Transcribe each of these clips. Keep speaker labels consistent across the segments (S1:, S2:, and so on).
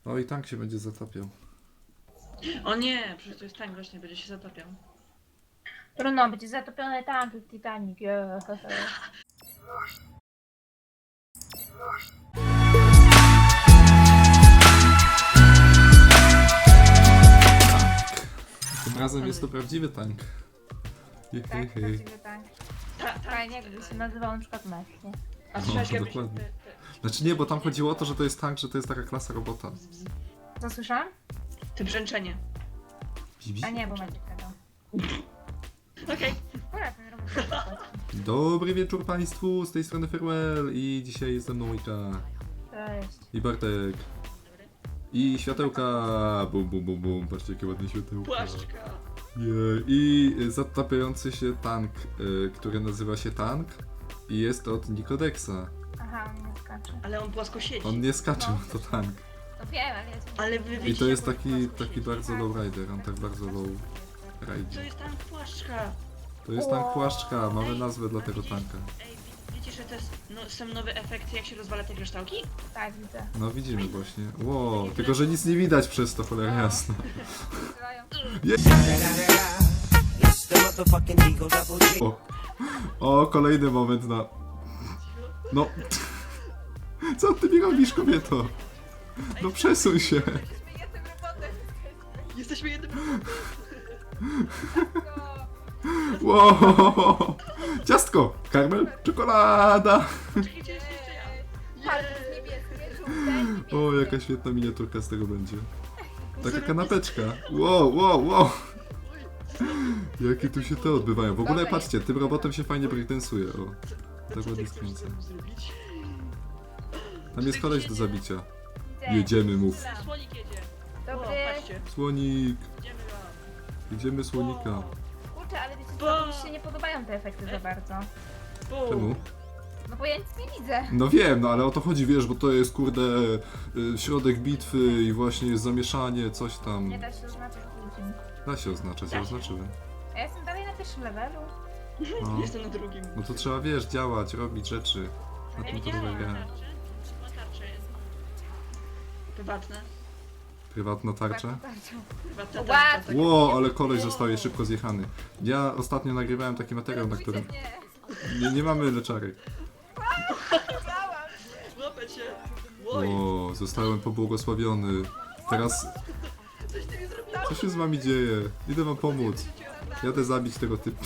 S1: O i tank się będzie zatapiał.
S2: O nie, przecież to jest tank, właśnie będzie się zatapiał.
S3: Trudno, będzie zatopiony tank jak Titanic.
S1: Tym razem jest to prawdziwy tank.
S3: Tak, prawdziwy tank. Fajnie, jakby się nazywał na przykład mech, nie?
S2: A
S1: No,
S2: słyszałeś jakbyś...
S1: dokładnie. Znaczy nie, bo tam chodziło o to, że to jest tank, że to jest taka klasa robota.
S3: Co słyszałam?
S2: Ty brzęczenie.
S3: A nie, bo Magic tego.
S2: Okej.
S3: Dobra, ten robot.
S1: Dobry wieczór Państwu, z tej strony Farewell i dzisiaj jest ze mną Ika
S3: Cześć.
S1: i Bartek i światełka, bum bum bum bum, patrzcie jakie ładne światełka.
S2: Płaszczka.
S1: Yeah. I zatapiający się tank, który nazywa się Tank i jest od Nikodexa.
S3: Aha, on nie skacze.
S2: Ale on płasko siedzi.
S1: On nie skacze,
S3: No.
S1: to tank.
S3: No wiem, ale jest...
S2: Ale wy
S1: I to
S2: wiecie,
S1: jest
S2: jak on
S1: taki
S2: płasko siedzi?
S1: bardzo low rider, on tak bardzo low
S2: To
S1: rider.
S2: jest tank płaszczka.
S1: To jest tank płaszczka, mamy nazwę dla tego tanka.
S2: Ej, wiecie, że to jest, są nowe efekty, jak się rozwala te kryształki?
S3: Tak, widzę.
S1: No widzimy właśnie. Wow, tylko że nic nie widać przez to, cholera jasno.
S3: Strzelają.
S1: O, kolejny moment na... No. Co ty mi robisz, kobieto? No przesuń się.
S3: Jestem robotem.
S2: Jesteśmy jednym...
S1: Wow. Ciastko, karmel, czekolada.
S2: Czekajcie, jeszcze ja.
S3: Palce niebieskie, żółte, niebieskie.
S1: O, jaka świetna miniaturka z tego będzie. Taka kanapeczka. Wow, wow, wow. Jakie tu się te odbywają. W ogóle patrzcie, tym robotem się fajnie breakdance'uje. O, tak ładnie skręca.
S2: zrobić?
S1: Tam jest koleś do zabicia.
S3: Widzę.
S1: Jedziemy, mów.
S2: Słonik jedzie.
S3: Dobry.
S2: O, patrzcie.
S1: Słonik.
S2: Idziemy go.
S1: Jedziemy słonika.
S3: Kurczę, ale wiecie co, mi się nie podobają te efekty za bardzo.
S2: Bum.
S1: Czemu?
S3: No bo ja nic nie widzę.
S1: No wiem, no ale o to chodzi, wiesz, bo to jest kurde środek bitwy i właśnie jest zamieszanie, coś tam.
S3: Nie da się oznaczać ludzi.
S1: Da się oznaczać, ja oznaczyłem.
S3: A ja jestem dalej na pierwszym levelu.
S1: No.
S2: Jestem na drugim.
S1: No to trzeba, wiesz, działać, robić rzeczy. Na
S2: Ja
S1: tym to
S2: widziałam
S1: polega.
S2: tarczę. Ma tarczę jest. Prywatne.
S1: Prywatna tarcza.
S2: Prywatna
S3: Ła,
S2: tarcza. tak.
S1: Ło, ale koleś zostaje szybko zjechany. Ja ostatnio nagrywałem taki materiał, na którym nie mamy leczarek.
S2: Łapę cię. Oj.
S1: Ło, zostałem pobłogosławiony. Teraz,
S2: Coś ty mi zrobiła.
S1: co się z wami dzieje? Idę wam pomóc. Jadę zabić tego typu.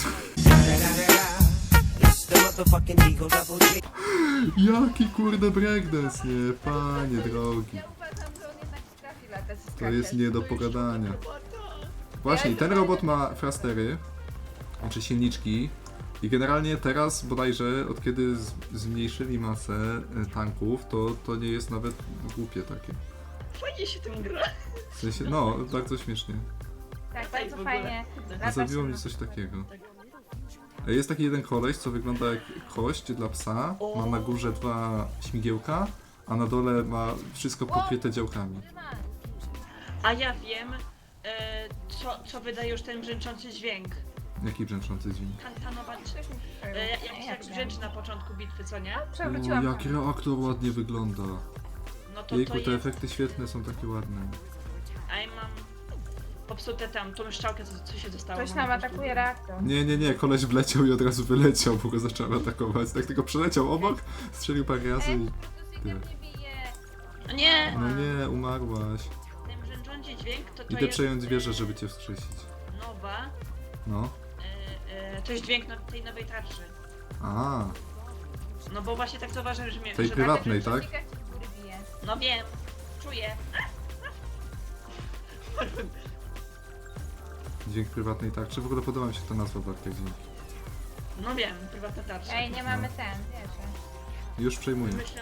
S1: Jaki kurde breakdance, nie? Panie drogi.
S3: Ja uważam, że on jednak potrafi latać i
S1: To
S3: skakać.
S1: jest nie do pogadania. Właśnie, i ten robot ma thrustery, znaczy silniczki. I generalnie teraz, bodajże, od kiedy zmniejszyli masę tanków, to nie jest nawet głupie takie.
S2: Fajnie się tym gra.
S1: W sensie, no, bardzo śmiesznie.
S3: Tak,
S2: w
S3: bardzo
S2: ogóle.
S3: fajnie. Latać
S1: Zabiło
S3: na-
S1: mnie coś takiego. Jest taki jeden koleś, co wygląda jak kość dla psa. Ma na górze 2 śmigiełka, a na dole ma wszystko pokryte działkami.
S2: A ja wiem, co wydaje już ten brzęczący dźwięk.
S1: Jaki brzęczący dźwięk.
S2: Kantanować.
S3: Coś mi
S2: Jak
S3: Nie,
S2: się
S3: ja
S2: tak
S3: wiem.
S2: brzęczy na początku bitwy, co nie?
S3: Przewróciłam.
S1: Jaki reaktor ładnie wygląda.
S2: No to
S1: Jejku,
S2: to
S1: te
S2: jest.
S1: efekty świetne są takie ładne.
S2: A ja mam popsute tam, tą szczałkę, co się dostało.
S3: Ktoś
S2: mam
S3: nam
S2: po prostu.
S3: atakuje reaktor.
S1: Nie, koleś wleciał i od razu wyleciał, bo go zacząłem atakować. Tak tylko przeleciał obok, strzelił parę razy i...
S3: Plus mnie bije.
S2: A nie!
S1: No nie, umarłaś.
S2: Ten brzęczący dźwięk to
S1: Idę
S2: jest
S1: przejąć wieżę, żeby cię wskrzesić.
S2: nowa.
S1: No.
S2: To jest dźwięk tej nowej tarczy.
S1: A,
S2: No bo właśnie tak zauważyłem, że mnie.
S1: tej
S2: że
S1: prywatnej,
S3: Dlatego,
S1: tak?
S3: że przeciwnik ci z góry bije.
S2: No wiem, czuję.
S1: Dźwięk prywatnej tarczy. W ogóle podoba mi się ta nazwa, Bartek, dzięki.
S2: No wiem, prywatna tarcza.
S3: Ej, nie mamy ten, wiesz.
S1: Już przejmuję.
S2: Myślę,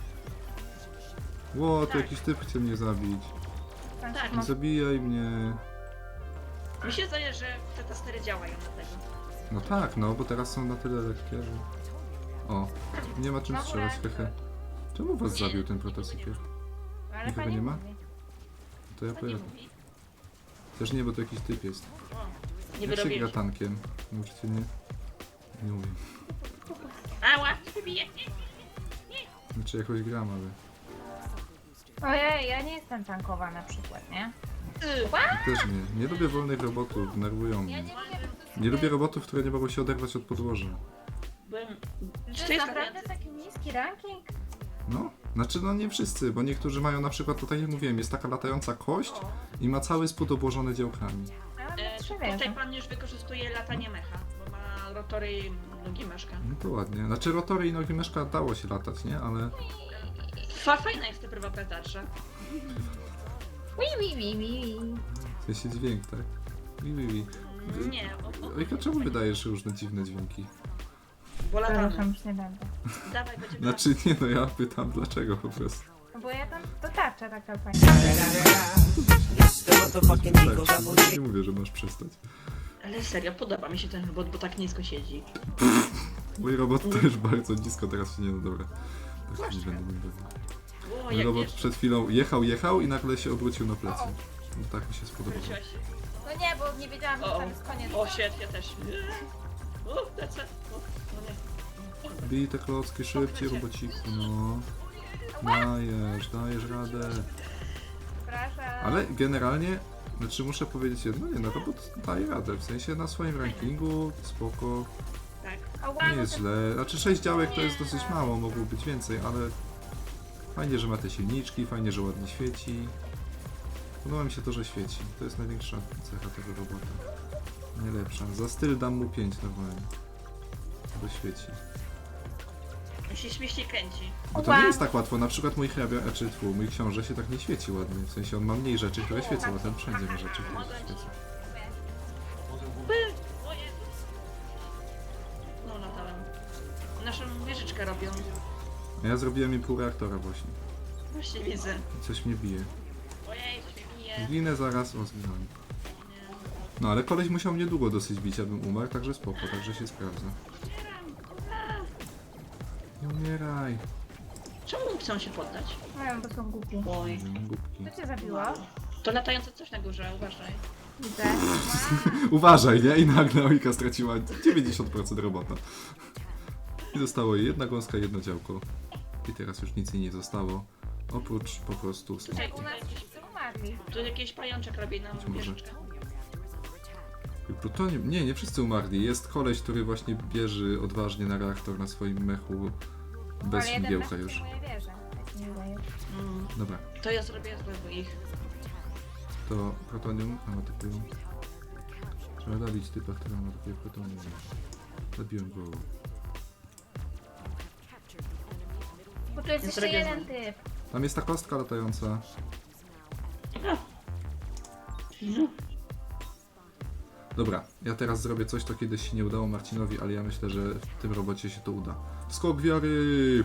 S1: Ło, to
S2: Tak.
S1: jakiś typ chce mnie zabić.
S2: Tak.
S1: Nie zabijaj mnie.
S2: mi się zdaje, że te tastery działają na tego.
S1: No tak, no, bo teraz są na tyle lekkie, że... O, nie ma czym
S3: Znowu
S1: strzelać,
S3: reaktor.
S1: hehe. Czemu was zabił ten protosypier?
S3: Ale
S1: Nikogo
S3: pani
S1: nie ma?
S3: mówi.
S1: To ja
S2: Co nie
S1: pojadę.
S2: mówi?
S1: Też nie, bo to jakiś typ jest.
S2: O, nie
S1: Jak się gra
S2: wyrobiłeś.
S1: tankiem? Nauczycie mnie? Nie umiem.
S2: Ała, wybiję.
S1: Znaczy jakoś gram, ale...
S3: Ojej, ja nie jestem tankowa na przykład, nie?
S1: Też nie. Nie lubię wolnych robotów, denerwują
S3: Ja
S1: mnie.
S3: nie lubię po prostu...
S1: Nie lubię robotów, które nie mogą się oderwać od podłoża.
S2: Byłem...
S3: To
S2: Czy
S3: jest
S2: to jest
S3: naprawdę taki niski ranking?
S1: No, znaczy no nie wszyscy, bo niektórzy mają na przykład, tutaj jak mówiłem, jest taka latająca kość i ma cały spód obłożony działkami.
S3: Ale
S2: Tutaj
S3: przewierzę.
S2: pan już wykorzystuje latanie mecha, bo ma rotory i nogi myszka.
S1: No to ładnie. Znaczy rotory i nogi myszka dało się latać, nie? Ale
S2: Fajna jest ta prywatna tarcza.
S3: Wi.
S1: w sensie dźwięk, tak? Wi.
S2: Nie,
S1: Ojka, czemu wydajesz różne dziwne dźwięki?
S2: bo latamy.
S3: Przepraszam, już nie będę.
S2: Dawaj, będziemy
S1: Znaczy nie no, ja pytam dlaczego po prostu.
S3: No bo ja tam to tarcza taka fajna.
S1: Tak, nie mówię, że masz przestać.
S2: Ale serio, podoba mi się ten robot, bo tak nisko siedzi.
S1: Mój robot też bardzo nisko, teraz się nie no dobra. Tak nie będę mówił.
S2: O,
S1: Mój
S2: jak
S1: robot
S2: wiesz,
S1: przed chwilą jechał i nagle się obrócił na plecy. No, tak mi się spodobało.
S2: wróciłaś się.
S3: No nie, bo nie wiedziałam, że tam jest koniec.
S2: O, shit, ja też. O, lecę. O, no nie.
S1: Bij te klocki szybciej, robociku, no. Dajesz radę.
S3: Przepraszam.
S1: Ale generalnie, znaczy muszę powiedzieć jedno, nie no, robot daje radę, w sensie na swoim rankingu, spoko,
S2: Tak.
S3: Ała,
S1: nie
S3: no
S1: jest
S3: to-
S1: źle. Znaczy 6 działek to jest dosyć mało, mogło być więcej, ale fajnie, że ma te silniczki, fajnie, że ładnie świeci. Podoba mi się to, że świeci, to jest największa cecha tego robota. Nie lepsza. Za styl dam mu 5 normalnie. Bo świeci.
S2: Się śmiesznie kręci.
S1: Bo to nie jest tak łatwo, na przykład mój hrabia, mój książę się tak nie świeci ładnie, w sensie on ma mniej rzeczy, które świecą, a ten wszędzie ma rzeczy, które się świecą.
S2: O Jezus. No, latałem. Naszą wieżyczkę robią.
S1: A ja zrobiłem im pół reaktora właśnie.
S2: Właśnie widzę.
S1: I coś mnie bije.
S2: Ojej, coś mnie bije.
S1: Zginę zaraz, o zginąłem. No ale koleś musiał mnie długo dosyć bić, abym umarł, także spoko, także się sprawdza. Nie umieraj.
S2: Czemu chcą się poddać?
S3: Nie wiem, bo są głupi.
S2: Oj.
S1: Głupki.
S3: Co cię zabiło?
S2: To latające coś na górze, uważaj.
S3: Widzę.
S1: Uważaj, nie? I nagle Oika straciła 90% robota. I zostało jej jedna gąska, jedno działko. I teraz już nic jej nie zostało. Oprócz po prostu smoku.
S2: Tutaj,
S3: U nas wszyscy umarli.
S2: Tu jakiś pajączek robi nam
S1: Być może.
S2: wieżyczkę.
S1: I plutonium. Nie wszyscy umarli. Jest koleś, który właśnie bierze odważnie na reaktor na swoim mechu. Bez
S3: Ale jeden
S1: śmigiełka
S3: raz
S1: już.
S3: moje wieże. Tak mi wydaje.
S1: Dobra,
S2: To ja zrobię znowu ich.
S1: to plutonium atakują. Trzeba zabić typa, który atakuje plutonium. Zabiłem go.
S3: Bo tu jest jeszcze
S2: Zrobię
S3: jeden
S2: znowu.
S3: typ.
S1: Tam jest ta kostka latająca. Dobra, ja teraz zrobię coś, co kiedyś się nie udało Marcinowi, ale ja myślę, że w tym robocie się to uda. Skok wiary!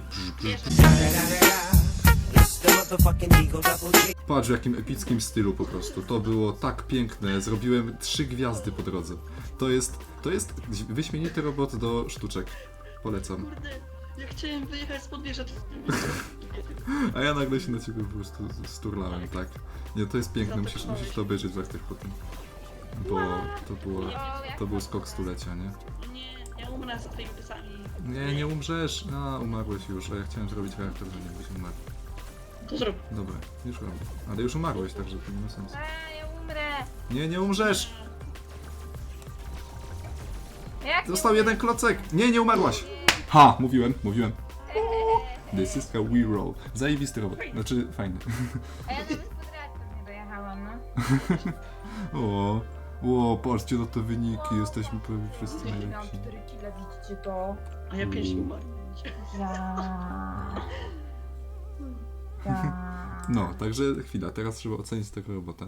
S1: Patrz w jakim epickim stylu po prostu. To było tak piękne. Zrobiłem 3 gwiazdy po drodze. To jest wyśmienity robot do sztuczek. Polecam.
S2: Kurde, ja chciałem wyjechać spod wieży.
S1: A ja nagle się na ciebie po prostu sturlałem, tak. Nie, to jest piękne, musisz to obejrzeć Bartek potem. Bo to był skok stulecia, nie?
S2: Nie, ja umrę za twoimi pisami.
S1: Nie umrzesz. A, umarłeś już, a ja chciałem zrobić reaktor, że nie byś umarł.
S2: To zrób.
S1: Dobra, już robię. Ale już umarłeś, także to nie ma sensu.
S3: A, ja umrę.
S1: Nie umrzesz!
S3: Jak
S1: Został
S3: nie
S1: jeden klocek! Nie umarłaś! Ha! Mówiłem. This is how we roll. Zajebisty robot. Znaczy, fajny.
S3: A ja nawet pod reaktor nie dojechałam, no.
S1: O, patrzcie na te wyniki, jesteśmy prawie wszyscy najlepsi.
S3: 4 kile, widzicie to?
S2: A ja 5 umarł.
S3: Ja.
S1: No, także chwila, teraz trzeba ocenić tego robota.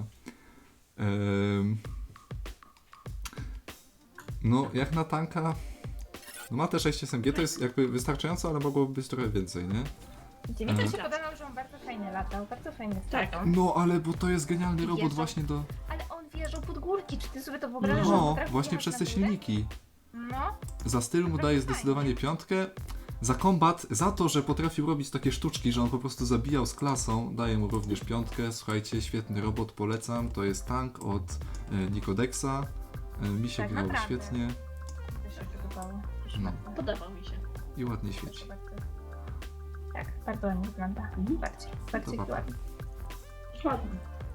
S1: No, jak na tanka, no ma te 6 SMG, to jest jakby wystarczająco, ale mogłoby być trochę więcej, nie?
S3: Mi się podobał, że on bardzo fajnie latał, bardzo fajnie latał.
S1: No, ale bo to jest genialny robot
S3: Jezu.
S1: właśnie do...
S3: Ale on wjeżdżał pod górki, czy ty sobie to wyobrażasz? że on
S1: No,
S3: potrafi
S1: właśnie
S3: jechać
S1: przez
S3: na
S1: te
S3: górę?
S1: silniki.
S3: No,
S1: Za styl mu daje zdecydowanie 5. Za kombat, za to, że potrafił robić takie sztuczki, że on po prostu zabijał z klasą, daję mu również 5. Słuchajcie, świetny robot, polecam. To jest tank od Nikodexa. Mi się
S3: Tak
S1: grało
S3: naprawdę.
S1: świetnie
S3: to się podobało. Proszę
S1: No.
S3: bardzo.
S2: Podobał mi się.
S1: i ładnie świeci.
S3: Proszę bardzo. Tak, bardzo ładnie wygląda. Bardziej
S1: To
S3: ładnie.
S4: Ładnie.